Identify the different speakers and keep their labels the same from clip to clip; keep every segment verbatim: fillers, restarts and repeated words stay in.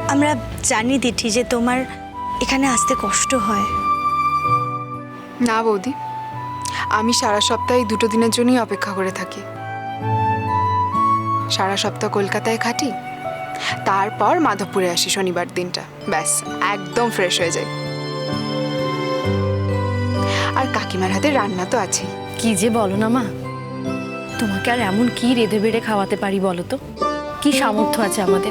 Speaker 1: আমরা জানি দিঠি যে তোমার এখানে আসতে কষ্ট হয়।
Speaker 2: না বৌদি, আমি সারা সপ্তাহে দুটো দিনের জন্যই অপেক্ষা করে থাকি। সারা সপ্তাহ কলকাতায় খাটি, তারপর মাধবপুরে আসি শনিবার দিনটা, ব্যাস একদম ফ্রেশ হয়ে যাই। আর কাকিমার হাতে রান্না তো আছেই।
Speaker 3: কি যে বলো না মা, তোমাকে আর এমন কি রেঁধে বেড়ে খাওয়াতে পারি বলো তো? কি সামর্থ্য আছে আমাদের?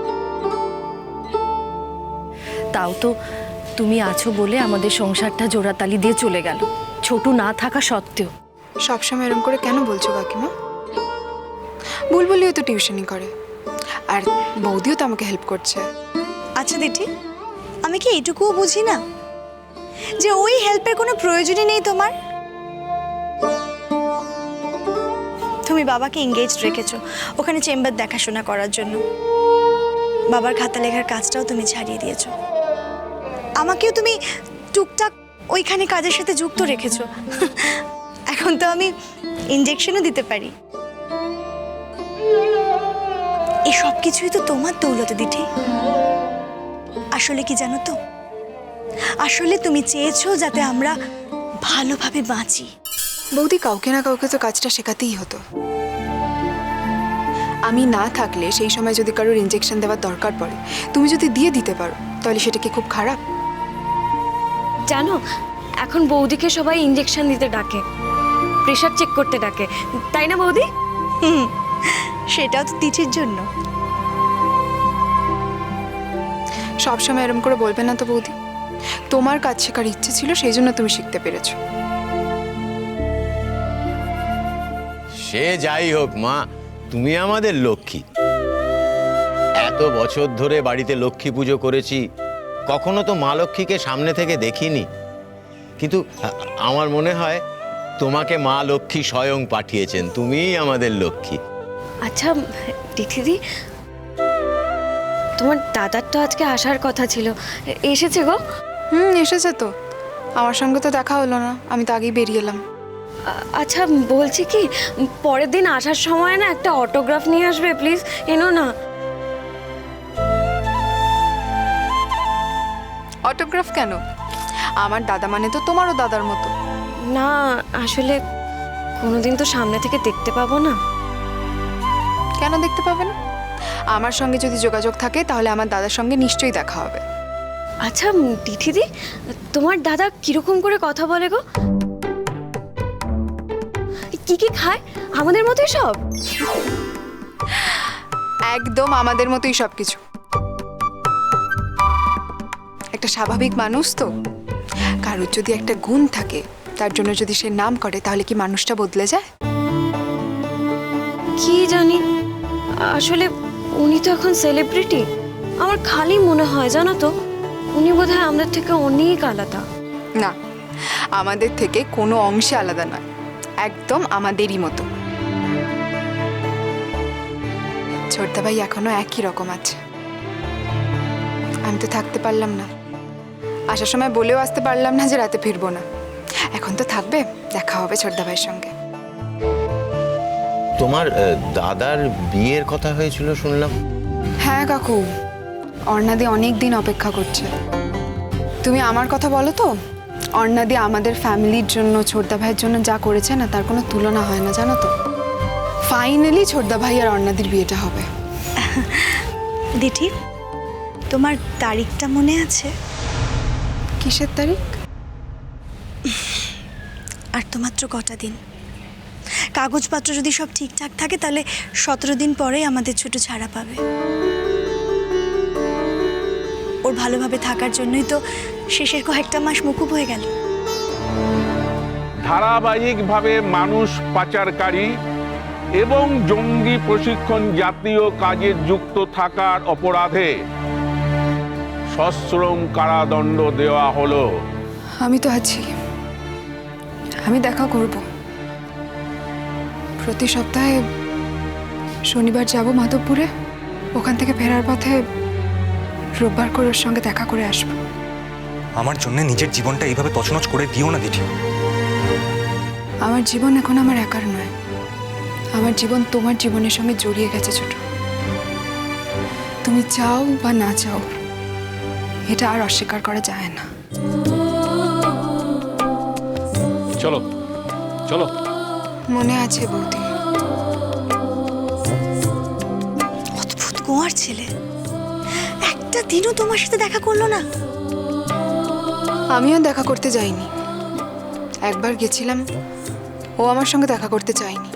Speaker 3: তাও তো তুমি আছো বলে আমাদের সংসারটা জোড়াতালি দিয়ে চলে গেল, ছোটু না থাকা সত্ত্বেও।
Speaker 2: সবসময় এরকম করে কেন বলছো কাকিমা? বুলবুলিও তো টিউশনি করে, আর বৌদিও তো আমাকে হেল্প করছে।
Speaker 1: আচ্ছা দিঠি, আমি কি এইটুকুও বুঝি না যে ওই হেল্পের কোনো প্রয়োজনই নেই তোমার? তুমি বাবাকে এঙ্গেজড রেখেছো ওখানে চেম্বার দেখাশোনা করার জন্য, বাবার খাতা লেখার কাজটাও তুমি ছাড়িয়ে দিয়েছো, আমাকেও তুমি টুকটাক ওইখানে কাজের সাথে যুক্ত রেখেছো। এখন তো আমি ইনজেকশনও দিতে পারি। এই সব কিছুই তো তোমার দৌলতে দিঠি। আসলে কি জানো তো, আসলে তুমি চেয়েছো যাতে আমরা ভালোভাবে বাঁচি।
Speaker 2: বৌদি, কাউকে না কাউকে তো কাজটা শেখাতেই হতো। আমি না থাকলে সেই সময় যদি কারোর ইনজেকশন দেওয়ার দরকার পড়ে, তুমি যদি দিয়ে দিতে পারো, তাহলে সেটা কি খুব খারাপ?
Speaker 4: জানো, এখন বৌদিকে সবাই ইঞ্জেকশন দিতে ডাকে, প্রেশার চেক করতে ডাকে, তাই না বৌদি?
Speaker 1: হুম, সেটাও তো দিঠির জন্য।
Speaker 2: সবসময় এরম করে বলবে না তো বৌদি। তোমার কাজ শেখার ইচ্ছে ছিল, সেই জন্য তুমি শিখতে পেরেছো।
Speaker 5: সে যাই হোক মা, তুমি আমাদের লক্ষ্মী। এত বছর ধরে বাড়িতে লক্ষ্মী পুজো করেছি, কখনো তো মা লক্ষ্মীকে সামনে থেকে দেখিনি, কিন্তু আমার মনে হয় তোমাকে মা লক্ষ্মী স্বয়ং পাঠিয়েছেন, তুমিই আমাদের লক্ষ্মী।
Speaker 4: আচ্ছা দিদি, তোমার দাদার তো আজকে আসার কথা ছিল, এসেছে গো?
Speaker 2: হুম, এসেছে তো। আমার সঙ্গে তো দেখা হলো না, আমি তো আগেই বেরিয়ে এলাম।
Speaker 4: আচ্ছা বলছি কি, পরের দিন আসার সময় না একটা অটোগ্রাফ নিয়ে আসবে প্লিজ, এনো না।
Speaker 2: অটোগ্রাফ কেন? আমার দাদা মানে তো তোমারও দাদার মতো।
Speaker 4: না আসলে কোনোদিন তো সামনে থেকে দেখতে পাবো না।
Speaker 2: কেন দেখতে পাবে না? আমার সঙ্গে যদি যোগাযোগ থাকে তাহলে আমার দাদার সঙ্গে নিশ্চয়ই দেখা হবে।
Speaker 4: আচ্ছা দিদি, তোমার দাদা কিরকম করে কথা বলে গো? কি কি খায়? আমাদের মতোই সব?
Speaker 2: একদম আমাদের মতোই সবকিছু। একটা স্বাভাবিক মানুষ তো, কারোর যদি একটা গুণ থাকে, তার জন্য যদি সে নাম করে, তাহলে কি মানুষটা বদলে যায়?
Speaker 4: কি জানি, আসলে উনি তো এখন সেলিব্রিটি। আমার খালি মনে হয় জানো তো, উনি বোধহয় আমাদের থেকে অনেক আলাদা।
Speaker 2: না, আমাদের থেকে কোনো অংশে আলাদা নয়, একদম আমাদেরই মতো। ছোটদা ভাই এখনো একই রকম আছে। আমি তো থাকতে পারলাম না, আসার সময় বলেও আসতে পারলাম না যে রাতে ফিরবো না। এখন তো থাকবে, দেখা হবে ছোটদা ভাইয়ের সঙ্গে।
Speaker 5: তোমার দাদার বিয়ের কথা হয়েছিল শুনলাম।
Speaker 2: হ্যাঁ কাকু, অর্ণাদি অনেক দিন অপেক্ষা করছে। তুমি আমার কথা বলো তো, অর্ণাদি আমাদের ফ্যামিলির জন্য, ছোটদা ভাইয়ের জন্য যা করেছে না, তার কোনো তুলনা হয় না জানো তো। ফাইনালি ছোটদা ভাই আর অর্ণাদির বিয়েটা হবে।
Speaker 1: দিঠি, তোমার তারিখটা মনে আছে?
Speaker 2: কিসের তারিখ?
Speaker 1: আর তো মাত্র কটা দিন। কাগজপত্র যদি সব ঠিকঠাক থাকে তাহলে সতেরো দিন পরেই আমাদের ছোট ছাড়া পাবে। ওর ভালোভাবে থাকার জন্যই তো শেষের কয়েকটা মাস মুকুব হয়ে গেল।
Speaker 6: ধারাবাহিকভাবে মানুষ পাচারকারী এবং জঙ্গি প্রশিক্ষণ জাতীয় কাজে যুক্ত থাকার অপরাধে সশ্রম কারাদণ্ড দেওয়া হলো।
Speaker 2: আমি তো আছি, আমি দেখা করব। প্রতি সপ্তাহে শনিবার যাব মাধবপুরে, ওখান থেকে ফেরার পথে রোববার করে ওর সঙ্গে দেখা করে আসবো।
Speaker 7: আমার জন্য নিজের জীবনটা এইভাবে তছনছ করে দিও না দিঠি।
Speaker 2: আমার জীবন এখন আমার একার নয়, আমার জীবন তোমার জীবনের সঙ্গে জড়িয়ে গেছে ছোট। তুমি তুমি চাও বা না চাও, এটা আর অস্বীকার করা যায় না।
Speaker 8: চলো চলো।
Speaker 2: মনে আছে বৌদি,
Speaker 1: অদ্ভুত কুমার ছেলে, একটা দিনও তোমার সাথে দেখা করলো না।
Speaker 2: আমিও দেখা করতে যাইনি। একবার গেছিলাম, ও আমার সঙ্গে দেখা করতে চায়নি।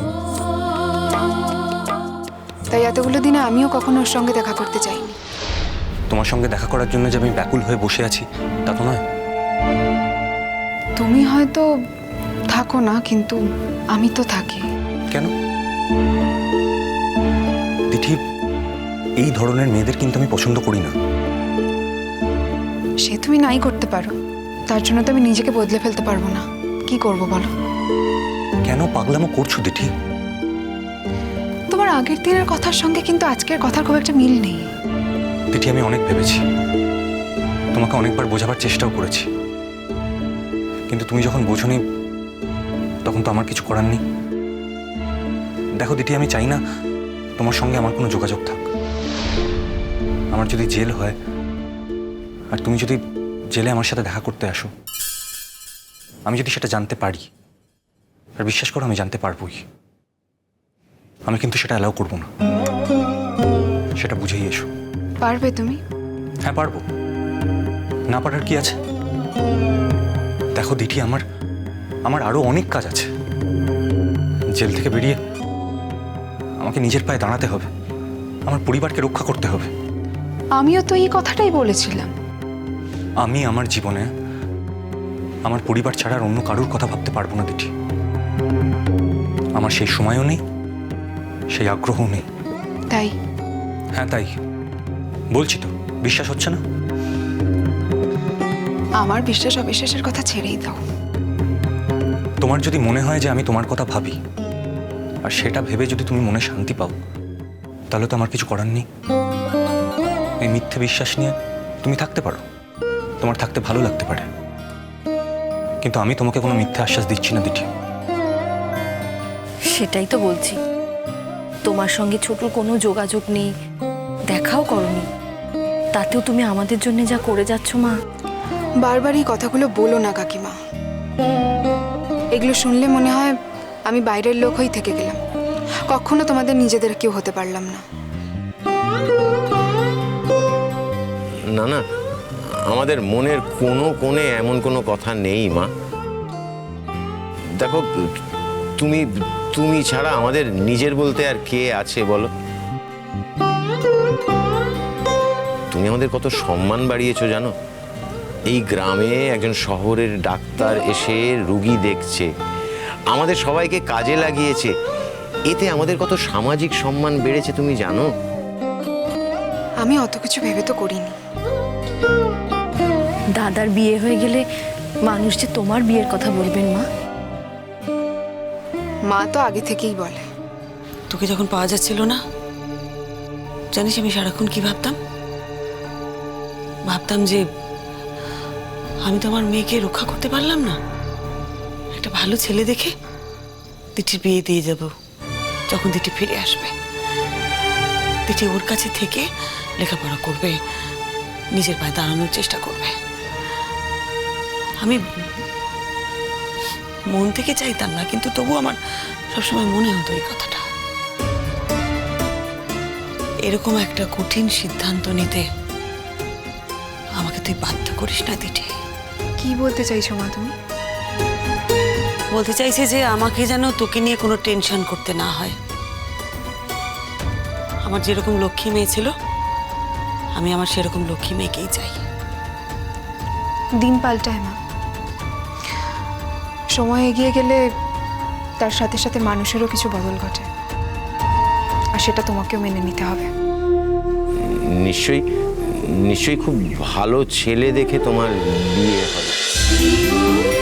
Speaker 2: তাই এতগুলো দিনে আমিও কখনো ওর সঙ্গে দেখা করতে চাইনি।
Speaker 7: তোমার সঙ্গে দেখা করার জন্য যে আমি ব্যাকুল হয়ে বসে আছি তা তো নয়।
Speaker 2: তুমি হয়তো থাকো না, কিন্তু আমি তো থাকি।
Speaker 7: কেন দিঠি, এই ধরনের মেয়েদের কিন্তু আমি পছন্দ করি না।
Speaker 2: সে তুমি নাই করতে পারো, তার জন্য তো আমি নিজেকে বদলে ফেলতে পারবো না। কি করব বলো?
Speaker 7: কেন পাগলামো করছো দিঠি?
Speaker 2: তোমার আগের দিনের কথার সঙ্গে কিন্তু আজকের কথার খুব একটা মিল নেই।
Speaker 7: দিঠি, আমি অনেক ভেবেছি, তোমাকে অনেকবার বোঝাবার চেষ্টাও করেছি, কিন্তু তুমি যখন বোঝোনি তখন তো আমার কিছু করার নেই। দেখো দিঠি, আমি চাই না তোমার সঙ্গে আমার কোনো যোগাযোগ থাক। আমার যদি জেল হয় আর তুমি যদি জেলে আমার সাথে দেখা করতে আসো, আমি যদি সেটা জানতে পারি, আর বিশ্বাস করো আমি জানতে পারবোই, আমি কিন্তু সেটা অ্যালাউ করবো না। সেটা বুঝেই এসো।
Speaker 2: পারবে তুমি?
Speaker 7: হ্যাঁ পারবো, না পারার কি আছে? দেখো দিঠি, আমার আমার আরো অনেক কাজ আছে। জেল থেকে বেরিয়ে আমাকে নিজের পায়ে দাঁড়াতে হবে, আমার পরিবারকে রক্ষা করতে হবে।
Speaker 2: আমিও তো এই কথাটাই বলেছিলাম।
Speaker 7: আমি আমার জীবনে আমার পরিবার ছাড়া আর অন্য কারোর কথা ভাবতে পারবো না দিঠি। আমার সেই সময়ও নেই, সেই আগ্রহও নেই।
Speaker 2: তাই?
Speaker 7: হ্যাঁ তাই বলছি তো, বিশ্বাস হচ্ছে না?
Speaker 2: আমার বিশ্বাস অবিশ্বাসের কথা ছেড়েই দাও।
Speaker 7: তোমার যদি মনে হয় যে আমি তোমার কথা ভাবি, আর সেটা ভেবে যদি তুমি মনে শান্তি পাও, তাহলে তো আমার কিছু করার নেই। এই মিথ্যে বিশ্বাস নিয়ে তুমি থাকতে পারো, তোমার থাকতে ভালো লাগতে পারে, কিন্তু আমি তোমাকে কোনো মিথ্যে আশ্বাস দিচ্ছি না দিঠি।
Speaker 3: সেটাই তো বলছি, তোমার সঙ্গে ছোটুর কোনো যোগাযোগ নেই, দেখাও করনি, তাতেও তুমি আমাদের জন্য যা করে যাচ্ছ মা।
Speaker 2: বারবার এই কথাগুলো বলো না কাকিমা। এগুলো শুনলে মনে হয় আমি বাইরের লোক হয়েই থেকে গেলাম, কখনো তোমাদের নিজেদের কেউ হতে পারলাম না।
Speaker 5: না না, আমাদের মনের কোনো কোণে এমন কোনো কথা নেই মা। দেখো, তুমি তুমি ছাড়া আমাদের নিজের বলতে আর কে আছে বলো? তুমি আমাদের কত সম্মান বাড়িয়েছো জানো? এই গ্রামে একজন শহরের ডাক্তার এসে রুগী দেখছে, আমাদের সবাইকে কাজে লাগিয়েছে, এতে আমাদের কত সামাজিক সম্মান বেড়েছে তুমি জানো?
Speaker 2: আমি অত কিছু ভেবে তো করিনি।
Speaker 3: দাদার বিয়ে হয়ে গেলে মানুষ যে তোমার বিয়ের কথা বলবেন মা।
Speaker 2: মা তো আগে থেকেই বলে।
Speaker 9: তোকে যখন পাওয়া যাচ্ছিল না, জানিস আমি সারাক্ষণ কি ভাবতাম? ভাবতাম যে আমি তো আমার মেয়েকে রক্ষা করতে পারলাম না, একটা ভালো ছেলে দেখে দিঠির বিয়ে দিয়ে যাব। যখন দিঠি ফিরে আসবে, দিঠি ওর কাছে থেকে লেখাপড়া করবে, নিজের পায়ে দাঁড়ানোর চেষ্টা করবে। আমি মন থেকে চাইতাম না, কিন্তু তবু আমার সবসময় মনে হতো এই কথাটা। এরকম একটা কঠিন সিদ্ধান্ত নিতে আমাকে তুই বাধ্য করিস না দিঠি।
Speaker 2: কি বলতে চাইছো মা তুমি?
Speaker 9: বলতে চাইছে যে আমাকে যেন তোকে নিয়ে কোনো টেনশন করতে না হয়। আমার যেরকম লক্ষ্মী মেয়ে ছিল, আমি আমার সেরকম লক্ষ্মী মেয়েকেই চাই।
Speaker 2: দিন পাল্টায় মা, সময় এগিয়ে গেলে তার সাথে সাথে মানুষেরও কিছু বদল ঘটে, আর সেটা তোমাকেও মেনে নিতে হবে।
Speaker 5: নিশ্চয়ই নিশ্চয়ই খুব ভালো ছেলে দেখে তোমার বিয়ে হবে।